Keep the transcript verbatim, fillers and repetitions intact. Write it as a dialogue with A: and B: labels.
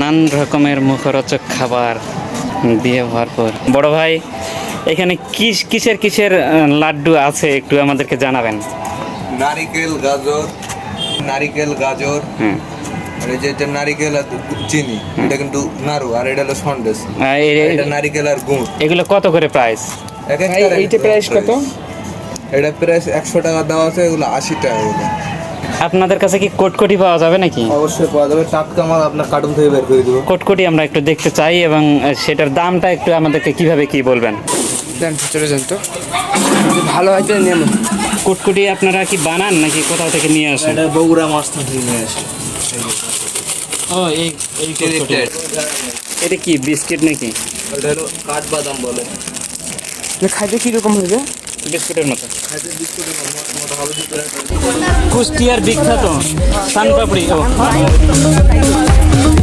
A: নানান রকমের মুখরোচক খাবার দিয়ে ভরপুর। বড় ভাই, এখানে কিস কিসের কিসের আহ, লাড্ডু আছে একটু আমাদেরকে জানাবেন।
B: নারিকেল গাজর নারিকেল গাজর
A: হুম।
B: আর এই যে এটা নারিকেল আর চিনি, এটা কিন্তু নাড়ু, আর এটা হলো সন্দেশ।
A: আহ, এ-
B: এটা নারিকেল আর গুড়।
A: এগুলো কত করে প্রাইস?
B: এক একটা
C: ভাই,
B: এক
C: এইটা
B: একটা
C: প্রাইস কত?
B: এটা প্রাইস একশো টাকা দেওয়া আছে, এগুলো আশি টাকা এগুলো।
A: আপনাদের কাছে কি কোটকটি পাওয়া যাবে নাকি?
B: অবশ্যই পাওয়া যাবে, টাটকা মাল আপনার কার্টুন থেকে বের করে দেবো।
A: কোটকটি আমরা একটু দেখতে চাই এবং আহ, সেটার দামটা একটু আমাদেরকে কিভাবে কি বলবেন।
C: দেন চলে যান তো, যদি ভালো হয় তো নেব।
A: কোটকটি আপনারা কি বানান নাকি কোথাও থেকে নিয়ে আসেন?
B: এটা বগুড়া মাছ থেকে নিয়ে আসে।
A: ও এই এই কোটকটি। এটা কি বিস্কিট নাকি?
B: এটা হলো কাঠবাদাম বলে।
C: খাইতে কীরকম হবে?
A: বিস্কুটের মতো।
B: খাইতে বিস্কুটের মতো মতো হবে ভিতরে।
A: কুষ্টিয়ার বিখ্যাত সানপাপড়ি। ও